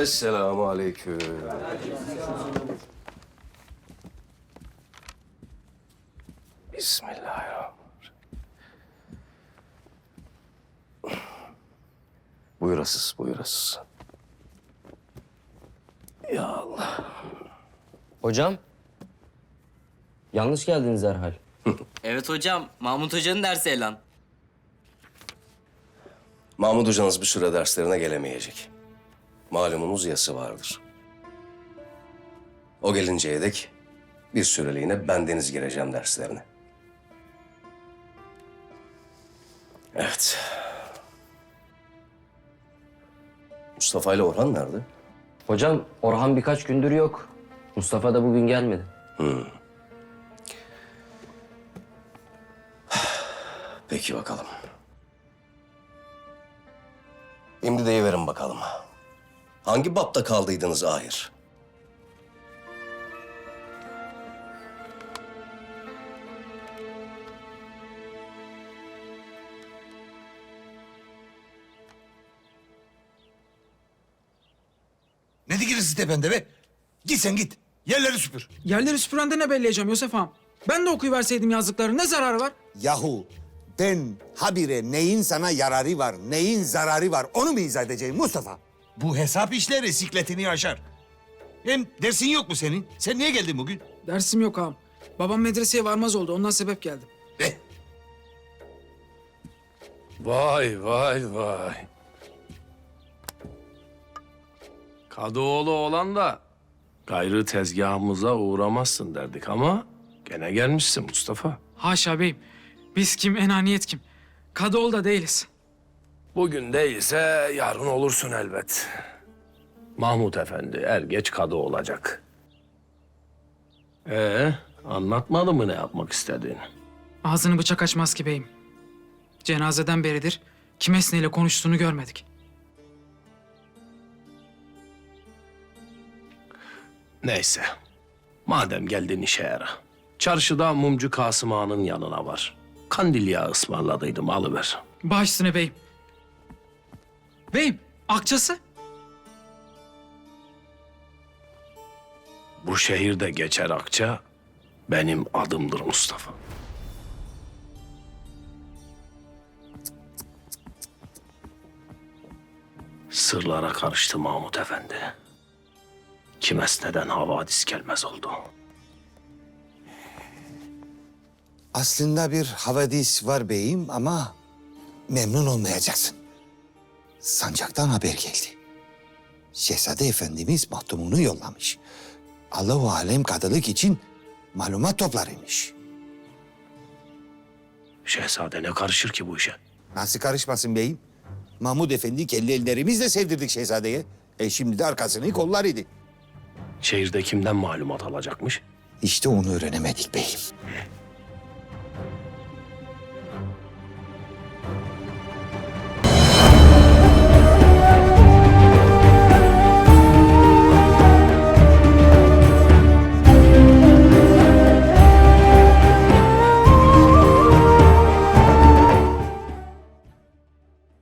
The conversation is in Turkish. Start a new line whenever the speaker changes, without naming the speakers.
Esselamu aleyküm. Bismillahirrahmanirrahim. Buyurasız, buyurasız. Ya Allah.
Hocam, yanlış geldiniz herhal.
Evet hocam, Mahmut Hoca'nın dersi Elan.
Mahmud hocanız bir süre derslerine gelemeyecek. Malumunuz yası vardır. O gelinceye dek bir süreliğine bendeniz gireceğim derslerine. Evet. Mustafa ile Orhan nerede?
Hocam, Orhan birkaç gündür yok. Mustafa da bugün gelmedi.
Peki bakalım. Şimdi deyiverin bakalım. Hangi bapta kaldıydınız ahir?
Ne dikilirsin tepende be? Git sen git. Yerleri süpür.
Yerleri süpürende ne belleyeceğim Yosef ağam? Ben de okuyuverseydim yazdıkları ne zararı var?
Yahu ben habire neyin sana yararı var, neyin zararı var onu mu izah edeceğim Mustafa?
Bu hesap işleri sikletini aşar. Hem dersin yok mu senin? Sen niye geldin bugün?
Dersim yok ağam. Babam medreseye varmaz oldu ondan sebep geldim.
Vay vay vay. Kadıoğlu olan da gayrı tezgahımıza uğramazsın derdik ama gene gelmişsin Mustafa.
Haşa beyim. Biz kim, enaniyet kim? Kadıoğlu da değiliz.
Bugün değilse yarın olursun elbet. Mahmut Efendi er geç kadı olacak. Anlatmadı mı ne yapmak istediğini?
Ağzını bıçak açmaz ki beyim. Cenazeden beridir kim esneyle konuştuğunu görmedik.
Neyse. Madem geldin işe yara. Çarşıda mumcu Kasım Ağa'nın yanına var. Kandil yağı ısmarladıydım alıver.
Baş üstüne beyim. Beyim, akçası?
Bu şehirde geçer akça benim adımdır Mustafa. Sırlara karıştı Mahmut Efendi. Kim esneden havadis gelmez oldu.
Aslında bir havadis var beyim ama memnun olmayacaksın. Sancaktan haber geldi. Şehzade Efendimiz mahtumunu yollamış. Allahu alem kadılık için malumat toplarıymış.
Şehzade ne karışır ki bu işe?
Nasıl karışmasın beyim? Mahmud Efendi kendi ellerimizle sevdirdik şehzadeye. Şimdi de arkasını kollar idi.
Şehirde kimden malumat alacakmış?
İşte onu öğrenemedik beyim.